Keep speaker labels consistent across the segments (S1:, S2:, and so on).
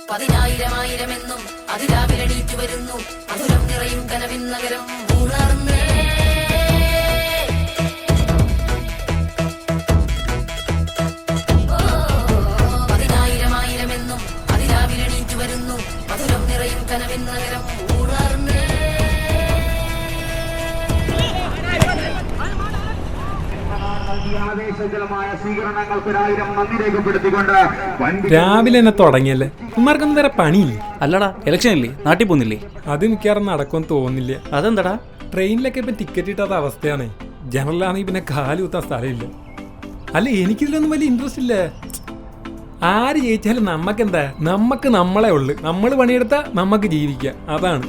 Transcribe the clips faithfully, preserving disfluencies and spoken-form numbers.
S1: പതിനായിരം ആയിരമെന്നും അതിരാവിലെണീറ്റു വരുന്നു മധുരം നിറയും കനവിൻ നഗരം ഉണർന്നേ. പതിനായിരം ആയിരമെന്നും അതിരാവിലെണീറ്റു വരുന്നു മധുരം നിറയും കനവിൻ നഗരം ഉണർന്നേ.
S2: രാവിലെ തന്നെ തുടങ്ങിയല്ലേ, ഉമ്മാർക്കൊന്നും വേറെ പണിയില്ല.
S3: അല്ലടാ, ഇലക്ഷൻ ഇല്ലേ, നാട്ടിൽ പോകുന്നില്ലേ?
S2: അത് മിക്കവാറും നടക്കുമെന്ന് തോന്നുന്നില്ല.
S3: അതെന്താടാ?
S2: ട്രെയിനിലൊക്കെ ഇപ്പം ടിക്കറ്റ് കിട്ടാത്ത അവസ്ഥയാണ്. ജനറലാണെങ്കിൽ പിന്നെ കാല് കുത്താൻ സ്ഥലമില്ല. അല്ല, എനിക്കിതിലൊന്നും വലിയ ഇൻട്രസ്റ്റ് ഇല്ല. ആര് ജയിച്ചാലും നമ്മക്കെന്താ, നമ്മക്ക് നമ്മളെ ഉള്ളു. നമ്മൾ പണിയെടുത്താൽ നമുക്ക് ജീവിക്കാം, അതാണ്.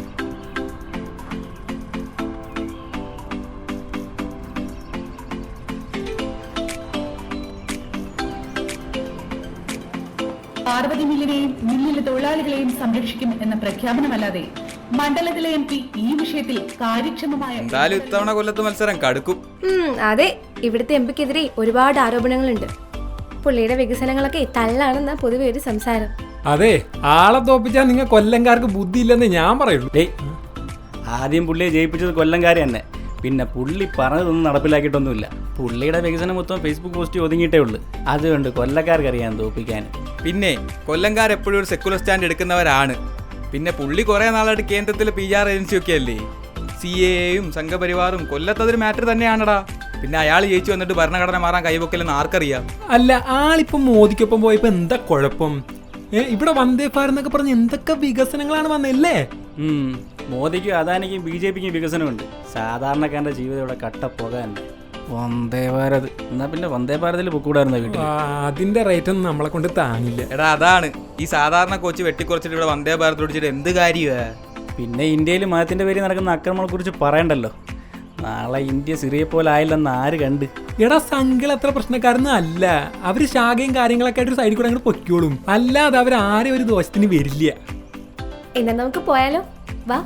S4: പാർവതി മില്ലിനെയും മില്ലിലെ തൊഴിലാളികളെയും സംരക്ഷിക്കും എന്ന പ്രഖ്യാപനമല്ലാതെ മണ്ഡലത്തിലെ എം പി ഈ വിഷയത്തിൽ കാര്യക്ഷമമായ
S5: എന്തായാലും ഇത്തവണ കൊല്ലത്ത് മത്സരം കടുക്കും.
S6: അതെ, ഇവിടുത്തെ എം പിക്കെതിരെ ഒരുപാട് ആരോപണങ്ങളുണ്ട്. പുള്ളിയുടെ വികസനങ്ങളൊക്കെ തള്ളാണെന്ന പൊതുവെ ഒരു സംസാരം.
S2: അതെ, ആളെ തോപ്പിച്ചാൽ നിങ്ങൾ കൊല്ലംകാർക്ക് ബുദ്ധിയില്ലെന്ന് ഞാൻ പറയുള്ളൂ.
S3: ഏയ്, ആദ്യം പുള്ളിയെ ജയിപ്പിച്ചത് കൊല്ലംകാരി തന്നെ. പിന്നെ പുള്ളി പറഞ്ഞതൊന്നും നടപ്പിലാക്കിയിട്ടൊന്നുമില്ല. പുള്ളിയുടെ വികസനം മൊത്തം ഫേസ്ബുക്ക് പോസ്റ്റ് ഒതുങ്ങിയിട്ടേ ഉള്ളൂ. അതുകൊണ്ട് കൊല്ലക്കാർക്കറിയാൻ തോപ്പിക്കാൻ.
S5: പിന്നെ കൊല്ലംകാർ എപ്പോഴും ഒരു സെക്കുലർ സ്റ്റാൻഡ് എടുക്കുന്നവരാണ്. പിന്നെ പുള്ളി കുറെ നാളായിട്ട് കേന്ദ്രത്തിൽ പി ആർ ഏജൻസി ഒക്കെ അല്ലേ. സി എയും സംഘപരിവാറും കൊല്ലത്തതൊരു മാറ്റർ തന്നെയാണടാ. പിന്നെ അയാൾ ജയിച്ചു വന്നിട്ട് ഭരണഘടന മാറാൻ കൈവക്കലെന്ന് ആർക്കറിയാം.
S2: അല്ല, ആളിപ്പം മോദിക്കൊപ്പം പോയപ്പോ എന്താ കുഴപ്പം? ഏ ഇവിടെ വന്ദേ ഭാരത് എന്നൊക്കെ പറഞ്ഞ് എന്തൊക്കെ വികസനങ്ങളാണ് വന്നല്ലേ.
S3: മോദിക്കും അദാനിക്കും ബി ജെ പിക്കും വികസനമുണ്ട്. സാധാരണക്കാരന്റെ ജീവിതം ഇവിടെ കട്ട പോകാൻ. വന്ദേ ഭാരത് എന്നാ പിന്നെ വന്ദേ ഭാരതിൽ പൊക്കൂടായിരുന്ന വീട്ടിൽ.
S2: അതിന്റെ റേറ്റ് ഒന്നും നമ്മളെ കൊണ്ട് താങ്ങില്ല.
S5: എടാ, അതാണ് ഈ സാധാരണ കോച്ച് വെട്ടിക്കുറച്ചിട്ട് ഇവിടെ വന്ദേ ഭാരത് ഓടിച്ചിട്ട് എന്ത് കാര്യമാ.
S3: പിന്നെ ഇന്ത്യയിൽ മതത്തിന്റെ പേരിൽ നടക്കുന്ന അക്രമങ്ങളെ കുറിച്ച് പറയണ്ടല്ലോ. നാളെ ഇന്ത്യ സിറിയെ പോലെ ആയില്ലെന്ന് ആര് കണ്ട്?
S2: എടാ, സംഘികൾ അത്ര പ്രശ്നക്കാരൊന്നും അല്ല. അവര് ശാഖയും കാര്യങ്ങളൊക്കെ ആയിട്ട് ഒരു സൈഡിൽ കൂടെ അങ്ങോട്ട് പൊയ്ക്കോളും. അല്ലാതെ അവർ ആരും ഒരു ദോഷത്തിന് വരില്ല.
S6: എന്നാ നമുക്ക് പോയാലോ? വാ.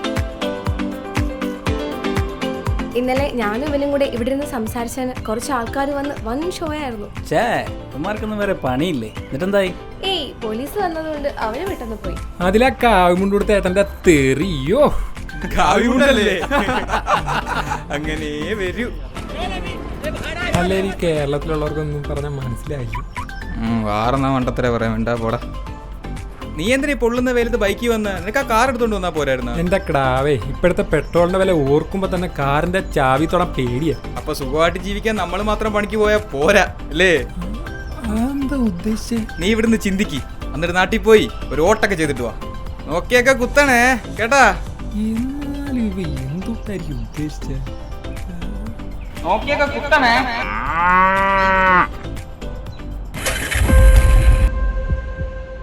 S6: ഇന്നലെ ഞാനും ഇവനും കൂടെ ഇവിടെ നിന്ന് സംസാരിച്ചാൽ കുറച്ച് ആൾക്കാർ വന്ന് വൻ ഷോ ആയിരുന്നു.
S3: ചേ, ഉമ്മാർക്കൊന്നും വേറെ പണിയില്ലേ? എന്നിട്ടെന്തായി?
S6: ഏയ്, പോലീസ് വന്നതുകൊണ്ട് അവര് പെട്ടെന്ന് പോയി.
S2: അതിലാ കാവിമുണ്ട് കൊടുത്ത ഏട്ടന്റെ തെറിയോ.
S5: കാവിമുണ്ടല്ലേ? അങ്ങനെ വരൂ.
S2: അല്ല, ഈ കേരളത്തിലുള്ളവർക്കൊന്നും പറഞ്ഞാൽ മനസ്സിലായില്ല.
S5: വാറന്നാ മണ്ടത്തര പറയാൻ വേണ്ട പോടാ. നീ എന്തിനാ പൊള്ളുന്ന വെയിലത്ത് ബൈക്കിൽ വന്ന്? നിനക്ക് ആ കാർ എടുത്തോണ്ട് വന്നാ പോരായിരുന്നു?
S2: എന്റെ ക്ടാവേ, ഇപ്പോഴത്തെ പെട്രോളിന്റെ വില ഓർക്കുമ്പോ തന്നെ കാറിന്റെ ചാവി തൊടാൻ പേടിയാ.
S5: അപ്പൊ സുഖമായിട്ട് ജീവിക്കാൻ നമ്മൾ മാത്രം പണിക്ക് പോയാ പോരാ അല്ലേ?
S2: എന്താ ഉദ്ദേശിച്ചേ?
S5: നീ ഇവിടുന്ന് ചിന്തിക്ക്, എന്നിട്ട് നാട്ടിൽ പോയി ഒരു ഓട്ടൊക്കെ ചെയ്തിട്ട് വാ. നോക്കിയൊക്കെ കുത്തണേ കേട്ടാ.
S2: എന്നാലും ഇവ എന്തൊട്ടായിരിക്കും ഉദ്ദേശിച്ചേ?
S5: നോക്കിയൊക്കെ കുത്തണേ.